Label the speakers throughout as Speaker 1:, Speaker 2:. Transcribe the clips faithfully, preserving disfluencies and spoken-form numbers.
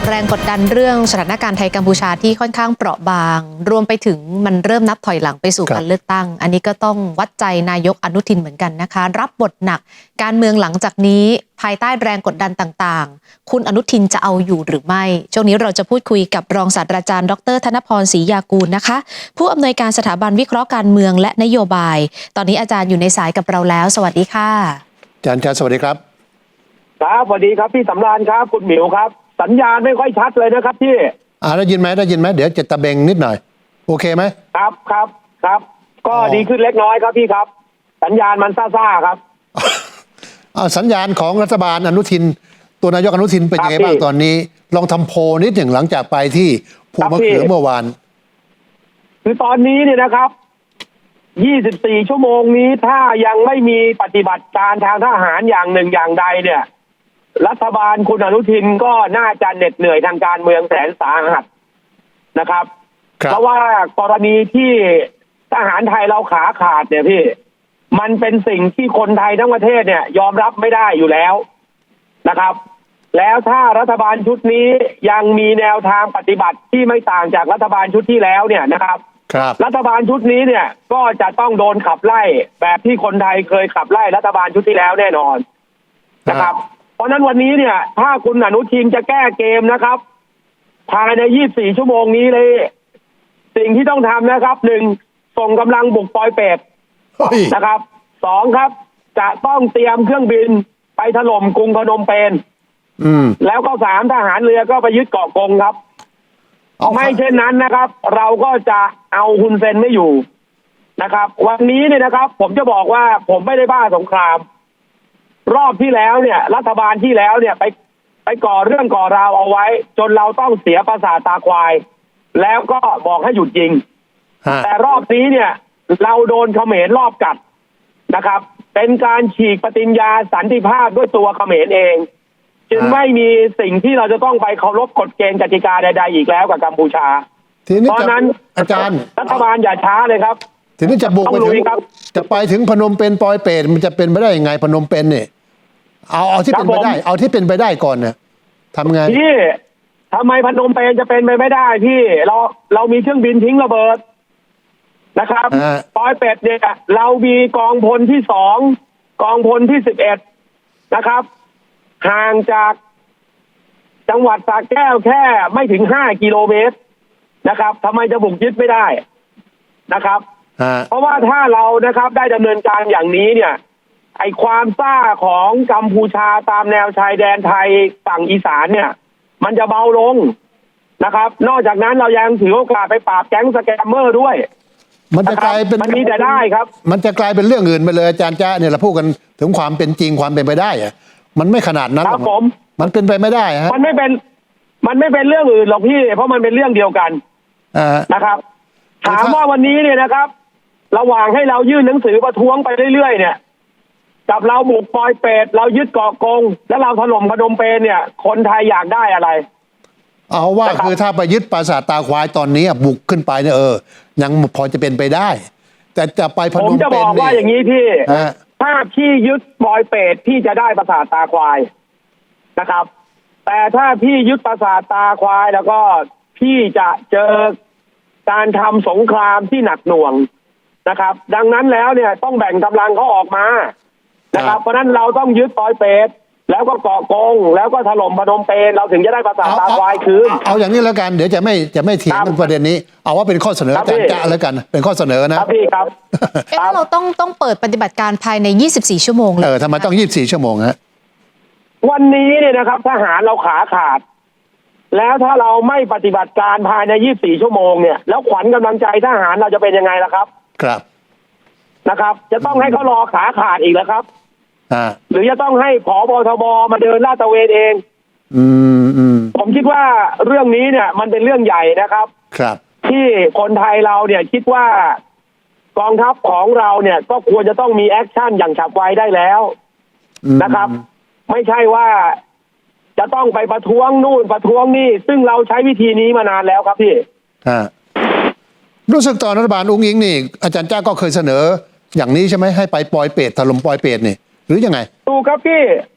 Speaker 1: แรงกดดันเรื่องสถานการณ์ไทยกัมพูชาที่ค่อนข้างเปราะบางรวมไปถึงมันเริ่มนับถอยหลังไปสู่การเลือกตั้งอันนี้ก็ต้องวัดใจนายกอนุทินเหมือนกันนะคะรับบทหนักการเมืองหลังจากนี้ภายใต้แรงกดดันต่างๆคุณอนุทินจะเอาอยู่หรือไม่ช่วงนี้เราจะพูดคุยกับรองศาสตราจารย์ดรธนพรศรียากูลนะคะผู้อำนวยการสถาบันวิเคราะห์การเมืองและนโยบายตอนนี้อาจารย์อยู่ในสายกับเราแล้วสวัสดีค่ะ
Speaker 2: อาจารย์ครับสวัสดีครับ
Speaker 3: ครับสวัสดีครับพี่สำราญครับคุณหมิวครับสัญญาณไม่ค่อยชัดเลยนะครับพี่
Speaker 2: อ่าได้ยินไหมได้ยินไหมเดี๋ยวจะตะเบงนิดหน่อยโอเคไหม
Speaker 3: ครับครับครับก็ดีขึ้นเล็กน้อยครับพี่ครับสัญญาณมันซ่าๆครับ
Speaker 2: อ่าสัญญาณของรัฐบาลอนุทินตัวนายกอนุทินเป็นยังไงบ้างตอนนี้ลองทำโพลนิดหนึ่งหลังจากไปที่ภูมะเขือเมื่อวาน
Speaker 3: คือตอนนี้เนี่ยนะครับยี่สิบสี่ชั่วโมงนี้ถ้ายังไม่มีปฏิบัติการทางทหารอย่างหนึ่งอย่างใดเนี่ยรัฐบาลคุณอนุทินก็น่าจะเหน็ดเหนื่อยทางการเมืองแสนสาหัสนะครับเพราะว่ากรณีที่ทหารไทยเราขาขาดเนี่ยพี่มันเป็นสิ่งที่คนไทยทั้งประเทศเนี่ยยอมรับไม่ได้อยู่แล้วนะครับแล้วถ้ารัฐบาลชุดนี้ยังมีแนวทางปฏิบัติที่ไม่ต่างจากรัฐบาลชุดที่แล้วเนี่ยนะครับรัฐบาลชุดนี้เนี่ยก็จะต้องโดนขับไล่แบบที่คนไทยเคยขับไล่รัฐบาลชุดที่แล้วแน่นอนนะครับเพราะนั้นวันนี้เนี่ยถ้าคุณอนุทินจะแก้เกมนะครับภายในยี่สิบสี่ชั่วโมงนี้เลยสิ่งที่ต้องทำนะครับหนึ่งส่งกำลังบุกปอยเป็ดนะครับสองครับจะต้องเตรียมเครื่องบินไปถล่มกรุงพนมเปญแล้วก็สามทหารเรือก็ไปยึดเกาะกงครับไม่เช่นนั้นนะครับเราก็จะเอาฮุนเซนไม่อยู่นะครับวันนี้เนี่ยนะครับผมจะบอกว่าผมไม่ได้บ้าสงครามรอบที่แล้วเนี่ยรัฐบาลที่แล้วเนี่ยไปไปก่อเรื่องก่อราวเอาไว้จนเราต้องเสียประสาทตาควายแล้วก็บอกให้หยุดยิงแต่รอบนี้เนี่ยเราโดนเขมรรอบกัดนะครับเป็นการฉีกปฏิญญาสันติภาพด้วยตัวเขมรเองจึงไม่มีสิ่งที่เราจะต้องไปเคารพกฎเกณฑ์กติกาใดๆอีกแล้วกับกัมพูชาเพราะนั้น
Speaker 2: อาจารย์
Speaker 3: รัฐบาลอย่าช้าเลยครับ
Speaker 2: ทีนี้จะบุกไปถึงจะไปถึงพนมเปญปอยเปรตมันจะเป็นไปได้ยังไงพนมเปญเนี่ยเอาเอาที่เป็นไปได้เอาที่เป็นไปได้ก่อนเนี่ยทำไง
Speaker 3: พี่ทำไมพนมเปญจะเป็นไปไม่ได้พี่เราเรามีเครื่องบินทิ้งระเบิดนะครับปอยเป็ดเนี่ยเรามีกองพลที่สองกองพลที่สิบเอ็ดนะครับห่างจากจังหวัดสระแก้วแค่ไม่ถึงห้ากิโลเมตรนะครับทำไมจะบุกยึดไม่ได้นะครับเพราะว่าถ้าเรานะครับได้ดำเนินการอย่างนี้เนี่ยไอความซ่าของกัมพูชาตามแนวชายแดนไทยฝั่งอีสานเนี่ยมันจะเบาลงนะครับนอกจากนั้นเรายังถือโอกาสไปปราบแก๊งสแกมเมอร์ด้วย
Speaker 2: มันจะกลายเป็น
Speaker 3: มันมีแต่ได้ครับ
Speaker 2: มันจะกลายเป็นเรื่องอื่นไปเลยอาจารย์จ๊ะเนี่ยเราพูดกันถึงความเป็นจริงความเป็นไปได้อะมันไม่ขนาดนั้น
Speaker 3: ครับผม
Speaker 2: มันเป็นไปไม่ได้ฮะ
Speaker 3: มันไม่เป็นมันไม่เป็นเรื่องอื่นหรอกพี่เพราะมันเป็นเรื่องเดียวกันนะครับถามว่าวันนี้เนี่ยนะครับระหว่างให้เรายื่นหนังสือประท้วงไปเรื่อยๆเนี่ยกับเราบุกปอยเป็ดเรายึดเกาะกงแล้วเราถล่มพนมเปญเนี่ยคนไทยอยากได้อะไร
Speaker 2: เอาว่าคือถ้าไปยึดปราสาทตาควายตอนนี้บุกขึ้นไปเนี่ยเออยังพอจะเป็นไปได้แต่จะไปพนมเปญ
Speaker 3: ผมจะบอกว่าอย่างนี้พี่ถ้าพี่ยึดปอยเป็ดพี่จะได้ปราสาทตาควายนะครับแต่ถ้าพี่ยึดปราสาทตาควายแล้วก็พี่จะเจอการทำสงครามที่หนักหน่วงนะครับดังนั้นแล้วเนี่ยต้องแบ่งกำลังเขาออกมานะครับเพราะนั้นเราต้องยึดปอยเป็ดแล้วก็เกาะกงแล้วก็ถล่มพนมเปญเราถึงจะได้ปราสาทตาควายคืน
Speaker 2: เอาอย่างนี้แล้วกันเดี๋ยวจะไม่จะไม่เถียงกันประเด็นนี้เอาว่าเป็นข้อเสนออาจารย์จ๊ะแล้วกันเป็นข้อเสนอนะครับ
Speaker 3: พี่ครับ
Speaker 1: เอ๊ะเราต้องต้องเปิดปฏิบัติการภายในยี่สิบสี่ชั่วโมงเลย
Speaker 2: เออทำไมต้องยี่สิบสี่ชั่วโมงฮะ
Speaker 3: วันนี้เนี่ยนะครับทหารเราขาขาดแล้วถ้าเราไม่ปฏิบัติการภายในยี่สิบสี่ชั่วโมงเนี่ยแล้วขวัญกำลังใจทหารเราจะเป็นยังไงล่ะครับ
Speaker 2: ครับ
Speaker 3: นะครับจะต้องให้เขารอขาขาดอีกแล้วครับ
Speaker 2: อ่า
Speaker 3: หรือจะต้องให้ผบทบมาเดินลาดตระเวนเอง
Speaker 2: อืมอืม
Speaker 3: ผมคิดว่าเรื่องนี้เนี่ยมันเป็นเรื่องใหญ่นะครับ
Speaker 2: ครับ
Speaker 3: ที่คนไทยเราเนี่ยคิดว่ากองทัพของเราเนี่ยก็ควรจะต้องมีแอคชั่นอย่างฉับไวได้แล้วนะครับไม่ใช่ว่าจะต้องไปประท้วงนู่นประท้วงนี่ซึ่งเราใช้วิธีนี้มานานแล้วครับพี่
Speaker 2: รู้สึกตอนรัฐบาลอุ้งอิงนี่อาจารย์จ้าก็เคยเสนออย่างนี้ใช่ไหมให้ไปปอยเป็ดถล่มปอยเป็ดนี่หรือยังไง
Speaker 3: ถูกครับพี่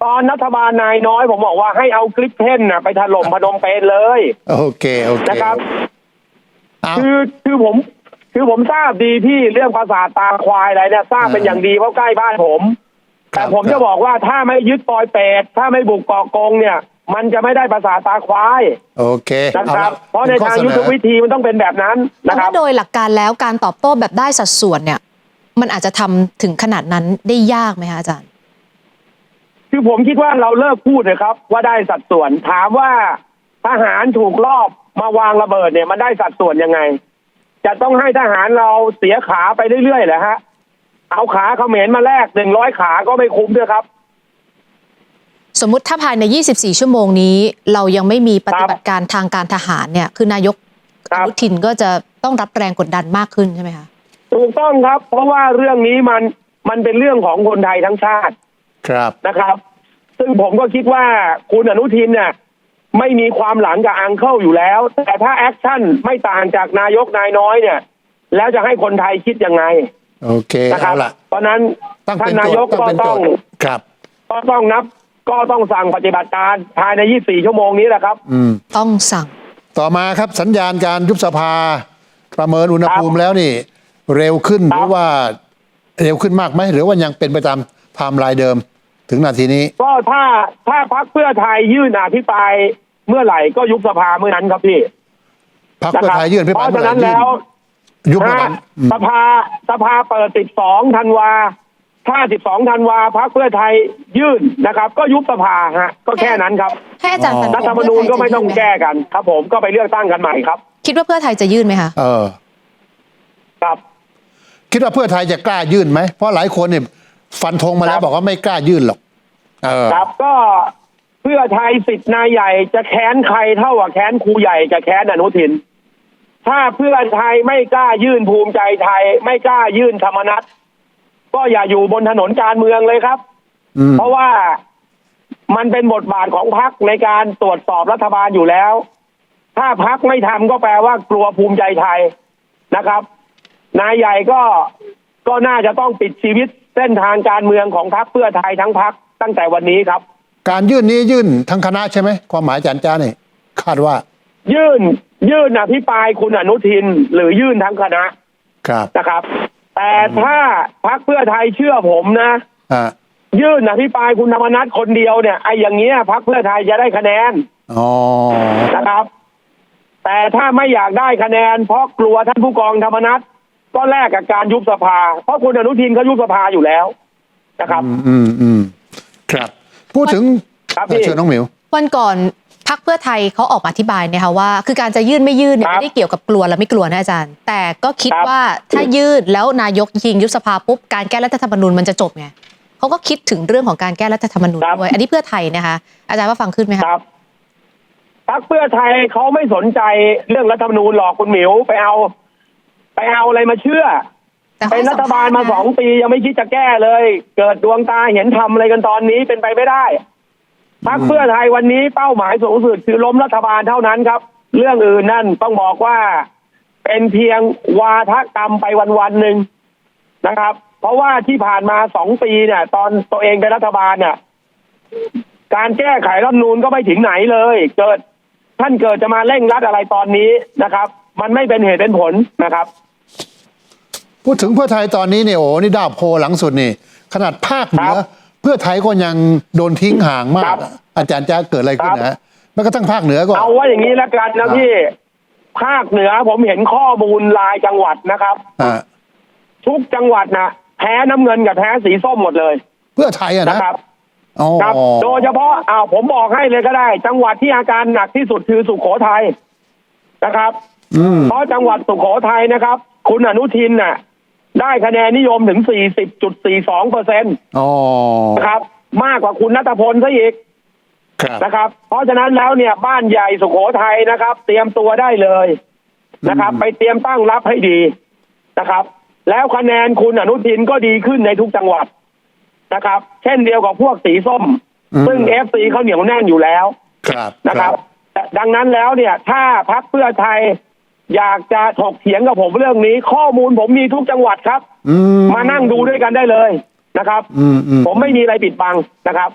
Speaker 3: ตอนรัฐบาลนายน้อยผมบอกว่าให้เอาคลิปเท่นน่ะไปถล่มพนมเปญเลย
Speaker 2: โอเคโอเค
Speaker 3: นะครับ
Speaker 2: เอา
Speaker 3: คือคือผมคือผมทราบดีพี่เรื่องภาษาทตาควายอะไรเนี่ยทราบเป็นอย่างดีเพราะใกล้บ้านผม แต่ผมจะบอกว่าถ้าไม่ยึดปอยเปรตถ้าไม่บุกเกาะกงเนี่ย มันจะไม่ได้ภาษาทตาควาย
Speaker 2: โอเค
Speaker 3: นะครับ
Speaker 2: อล
Speaker 3: เพราะในทางยุทธวิธีมันต้องเป็นแบบนั้น
Speaker 1: แต่
Speaker 3: นะครั
Speaker 1: ว่า
Speaker 3: บ
Speaker 1: โดยหลักการแล้วการตอบโต้แบบได้สัดส่วนเนี่ย มันอาจจะทำถึงขนาดนั้นได้ยากไหมคะอาจารย์
Speaker 3: คือผมคิดว่าเราเลิกพูดเลยครับว่าได้สัดส่วนถามว่าทหารถูกลอบมาวางระเบิดเนี่ยมันได้สัดส่วนยังไง จะต้องให้ทหารเราเสียขาไปเรื่อยๆเหรอฮะเอาขาเขมรมาแลกหนึ่งร้อยขาก็ไม่คุ้มด้วยครับ
Speaker 1: สมมุติถ้าภายใน ยี่สิบสี่ ชั่วโมงนี้ เรายังไม่มีปฏิบัติการทางการทหารเนี่ย คือนายก
Speaker 3: ค
Speaker 1: อ
Speaker 3: รับ
Speaker 1: นุทินก็จะต้องรับแรงกดดันมากขึ้นใช่ไหมคะ
Speaker 3: ถูกต้องครับ เพราะว่าเรื่องนี้มันมันเป็นเรื่องของคนไทยทั้งชาติ
Speaker 2: ครับ
Speaker 3: นะครับ ซึ่งผมก็คิดว่าคุณอนุทินเนี่ยไม่มีความหลังกับอังเคิลอยู่แล้ว แต่ถ้าแอคชั่นไม่ต่างจากนายกนายน้อยเนี่ย แล้วจะให้คนไทยคิดยังไง
Speaker 2: โอเค
Speaker 3: นะครั
Speaker 2: เอา
Speaker 3: บ
Speaker 2: ละ
Speaker 3: เพราะนั้น
Speaker 2: ตั้ง
Speaker 3: ท่า
Speaker 2: เป็น น
Speaker 3: นา
Speaker 2: โจ
Speaker 3: ย
Speaker 2: ท
Speaker 3: ก
Speaker 2: ย์ตั้ง
Speaker 3: ก็
Speaker 2: เป็นโจ
Speaker 3: ต้อง
Speaker 2: ทย์ครับ
Speaker 3: ก็ต้องนับก็ต้องสั่งปฏิบัติการภายในยี่สิบสี่ชั่วโมงนี้แหละครับ
Speaker 2: อืม
Speaker 1: ต้องสั่ง
Speaker 2: ต่อมาครับสัญญาณการยุบสภา ประเมินอุณหภูมิแล้วนี่ เร็วขึ้นห
Speaker 3: ครับ
Speaker 2: รือว่าเร็วขึ้นมากไหมหรือว่ายังเป็นไปตามไทม์ไลน์เดิมถึงนาทีนี้
Speaker 3: ก็ถ้าถ้าพรรคเพื่อไทยยื่นอภิปรายเมื่อไหร่ก็ยุบสภาเมื่อนั้นครับพี่
Speaker 2: พรรคเพื่อไทยยื่นพิ
Speaker 3: เพ
Speaker 2: พา
Speaker 3: ราะ
Speaker 2: ยเมื่อ
Speaker 3: ฉะ
Speaker 2: ไหร่
Speaker 3: นั้น
Speaker 2: ยื่น
Speaker 3: แล้ว
Speaker 2: ยุบเมื่อ
Speaker 3: ถ้า
Speaker 2: นั้นอืม
Speaker 3: สภาสภาเปิดสิบสองธันวาถ้าสิบสองธันวาพรรคเพื่อไทยยื่นนะครับ ก็ยุบสภาฮะก็แค่นั้นครับ
Speaker 1: ให้อาจารย์ฟันธ
Speaker 3: รัฐ
Speaker 1: ง
Speaker 3: ธรรมนูญก็ไม่ต้องแก้กัน ครับผมก็ไปเลือกตั้งกันใหม่ครับ
Speaker 1: คิดว่าเพื่อไทยจะยื่นไหมคะ
Speaker 2: เออ
Speaker 3: ครับ
Speaker 2: คิดว่าเพื่อไทยจะกล้ายื่นไหมเพราะหลายคนเนี่ยฟันธงมาแล้ว
Speaker 3: ครับ
Speaker 2: บอกว่าไม่กล้ายื่นหรอกเออ
Speaker 3: ครับก็เพื่อไทยสิทธิ์นายใหญ่จะแค้นใครเท่ากับแค้นครูใหญ่จะแค้นอนุทิน ถ้าเพื่อไทยไม่กล้ายื่นภูมิใจไทย ไม่กล้ายื่นธรรมนัสก็อย่าอยู่บนถนนการเมืองเลยครับ
Speaker 2: อืม
Speaker 3: เพราะว่ามันเป็นบทบาทของพรรคในการตรวจสอบรัฐบาลอยู่แล้ว ถ้าพรรคไม่ทำก็แปลว่ากลัวภูมิใจไทยนะครับ นายใหญ่ก็ก็น่าจะต้องปิดชีวิตเส้นทางการเมืองของพรรคเพื่อไทยทั้งพรรคตั้งแต่วันนี้ครับ
Speaker 2: การยื่นนี้ยื่นทั้งคณะใช่ไหมความหมายอาจารย์จ้าเนี่ยคาดว่า
Speaker 3: ยื่นยื่นอภิปรายคุณอนุทิน หรือยื่นทั้งคณะ
Speaker 2: ครับ
Speaker 3: นะครับ แต่ถ้าพรรคเพื่อไทยเชื่อผมนะ
Speaker 2: อ่า
Speaker 3: ยื่นอภิปรายคุณธรรมนัฐคนเดียวเนี่ยไอ้อย่างเงี้ยพรรคเพื่อไทยจะได้คะแนน
Speaker 2: อ๋อ
Speaker 3: นะครับ แต่ถ้าไม่อยากได้คะแนน เพราะกลัวท่านผู้กองธรรมนัฐก็แลกกับการยุบสภา เพราะคุณอนุทินเขายุบสภาอยู่แล้วนะครับ
Speaker 2: อืมอืมอืมครับ พูดถึง
Speaker 3: ครับพี่
Speaker 2: เชิญน้องหมิว
Speaker 1: วันก่อนพรรคเพื่อไทยเขาออกมาอธิบายนะคะว่า คือการจะยื่นไม่ยื่นเนี่ย
Speaker 3: ครับ
Speaker 1: ไม่ได้เกี่ยวกับกลัวและไม่กลัวนะอาจารย์ แต่ก็คิด
Speaker 3: ครับ
Speaker 1: ว่าถ้ายื่นแล้วนายกยิงยุบสภาปุ๊บการแก้รัฐธรรมนูญมันจะจบไงเขาก็คิดถึงเรื่องของการแก้รัฐธรรมนูญด้วยอันนี้เพื่อไทยนะคะอาจารย์ว่าฟังขึ้นไหม
Speaker 3: ค
Speaker 1: คะ
Speaker 3: รับพรรคเพื่อไทยเขาไม่สนใจเรื่องรัฐธรรมนูญหรอกคุณหมิวไปเอา ไปเอาอะไรมาเชื่อ
Speaker 1: แต่ข
Speaker 3: เป็น
Speaker 1: ให้
Speaker 3: รัฐบาลมา
Speaker 1: สัภษณ์นะ
Speaker 3: สองปียังไม่คิดจะแก้เลย เกิดดวงตาเห็นทำอะไรกันตอนนี้เป็นไปไม่ได้พรรคเพื่อไทยวันนี้เป้าหมายสูงสุดคือล้มรัฐบาลเท่านั้นครับ เรื่องอื่นนั่นต้องบอกว่าเป็นเพียงวาทกรรมไปวันๆหนึ่งนะครับ เพราะว่าที่ผ่านมาสองปีเนี่ย ตอนตัวเองเป็นรัฐบาลเนี่ย การแก้ไขรัฐธรรมนูญก็ไม่ถึงไหนเลย เกิดท่านเกิดจะมาเร่งรัดอะไรตอนนี้นะครับ มันไม่เป็นเหตุเป็นผลนะครับ
Speaker 2: พูดถึงเพื่อไทยตอนนี้เนี่ยโอ้นี่ดาวโพลหลังสุดนี่ ขนาดภาคเหนือ
Speaker 3: ครับ
Speaker 2: เพื่อไทยก็ยังโดนทิ้งห่างมา
Speaker 3: ครั
Speaker 2: ก
Speaker 3: บ
Speaker 2: อาจารย์จ้าเกิดอะไรขึ้น
Speaker 3: ครับ
Speaker 2: นะฮะแม้กระทั่งภาคเหนือก็
Speaker 3: เอาว่าอย่างนี้แล้วกันนะพี่ภาคเหนือผมเห็นข้อมูลรายจังหวัดนะครับ
Speaker 2: อ่า
Speaker 3: ทุกจังหวัดนะแพ้น้ำเงินกับแพ้สีส้มหมดเลย
Speaker 2: เพื่อไทยอะ
Speaker 3: นะ
Speaker 2: นะครับ อ๋อ
Speaker 3: ครับ โดยเฉพาะอ้าวผมบอกให้เลยก็ได้ จังหวัดที่อาการหนักที่สุดคือสุโขทัยนะครับ
Speaker 2: อืม
Speaker 3: เพราะจังหวัดสุโขทัยนะครับ คุณอนุทินน่ะ ได้คะแนนนิยมถึง สี่สิบจุดสี่สองเปอร์เซ็นต์
Speaker 2: อ๋อ
Speaker 3: นะครับ มากกว่าคุณณัฐพลซะอีก
Speaker 2: ครับ
Speaker 3: นะครับ เพราะฉะนั้นแล้วเนี่ยบ้านใหญ่สุโขทัยนะครับ เตรียมตัวได้เลยนะครับ ไปเตรียมตั้งรับให้ดีนะครับ แล้วคะแนนคุณอนุทินก็ดีขึ้นในทุกจังหวัดนะครับ เช่นเดียวกับพวกสีส้ม
Speaker 2: อืม
Speaker 3: ซึ่งเอฟซีเขาเหนียวแน่นอยู่แล้ว
Speaker 2: ครับ
Speaker 3: นะครับแต่ดังนั้นแล้วเนี่ย ถ้าพรรคเพื่อไทย อยากจะถกเถียงกับผมเรื่องนี้ ข้อมูลผมมีทุกจังหวัดครับ
Speaker 2: อืม
Speaker 3: มานั่งดูด้วยกันได้เลยนะครับ
Speaker 2: อืมอืม
Speaker 3: ผมไม่มีอะไรปิดบังนะครับ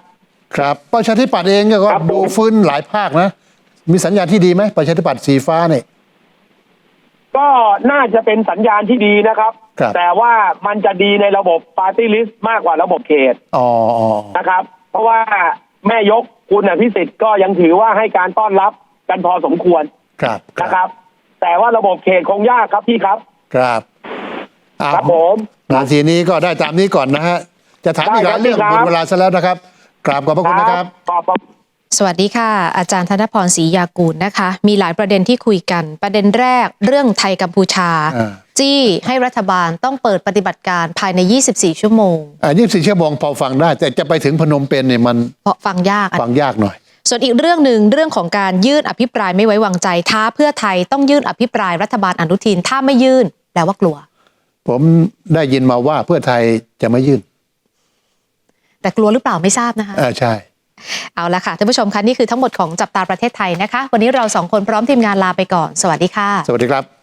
Speaker 2: ครับประชาธิปัตย์เองก็
Speaker 3: ครับผม
Speaker 2: ดูฟื้นหลายภาคนะ มีสัญญาณที่ดีไหมประชาธิปัตย์สีฟ้าเนี่ย
Speaker 3: ก็น่าจะเป็นสัญญาณที่ดีนะครับ
Speaker 2: ครับ
Speaker 3: แต่ว่ามันจะดีในระบบปาร์ตี้ลิสต์มากกว่าระบบเขต
Speaker 2: อ๋ออ๋อ
Speaker 3: นะครับ เพราะว่าแม่ยกคุณอภิสิทธิ์ก็ยังถือว่าให้การต้อนรับกันพอสมควร
Speaker 2: ครับค
Speaker 3: นะค
Speaker 2: รั
Speaker 3: รับ บ แต่ว่าระบบเขตคงยากครับพี่ครับ
Speaker 2: ครับเอา
Speaker 3: ครับผม
Speaker 2: นาทีนี้ก็ได้ตามนี้ก่อนนะฮะ จะถามอีกหลายเรื่อง
Speaker 3: ได้ครับ
Speaker 2: หมดเวลาซะแล้วนะครับ กราบขอบพระคุณนะครับ
Speaker 3: ขอบพระ
Speaker 1: สวัสดีค่ะ อาจารย์ธนพรศรียากูลนะคะ มีหลายประเด็นที่คุยกัน ประเด็นแรกเรื่องไทยกัมพูชา
Speaker 2: อ่า
Speaker 1: จี้ให้รัฐบาลต้องเปิดปฏิบัติการภายใน ยี่สิบสี่ ชั่วโมง
Speaker 2: อ่ายี่สิบสี่ชั่วโมงพอฟังได้ แต่จะไปถึงพนมเปญเนี่ยมัน
Speaker 1: เพราะฟังยากอะ
Speaker 2: ฟังยากหน่อย
Speaker 1: ส่วนอีกเรื่องหนึ่งเรื่องของการยื่นอภิปรายไม่ไว้วางใจท้าเพื่อไทยต้องยื่นอภิปรายรัฐบาลอนุทินถ้าไม่ยื่นแปลว่ากลัว
Speaker 2: ผมได้ยินมาว่าเพื่อไทยจะไม่ยื่น
Speaker 1: แต่กลัวหรือเปล่าไม่ทราบนะคะ
Speaker 2: อ่าใช่
Speaker 1: เอาละค่ะท่านผู้ชมคะนี่คือทั้งหมดของจับตาประเทศไทยนะคะ วันนี้เราสองคนพร้อมทีมงานลาไปก่อนสวัสดีค่ะ
Speaker 2: สวัสดีครับ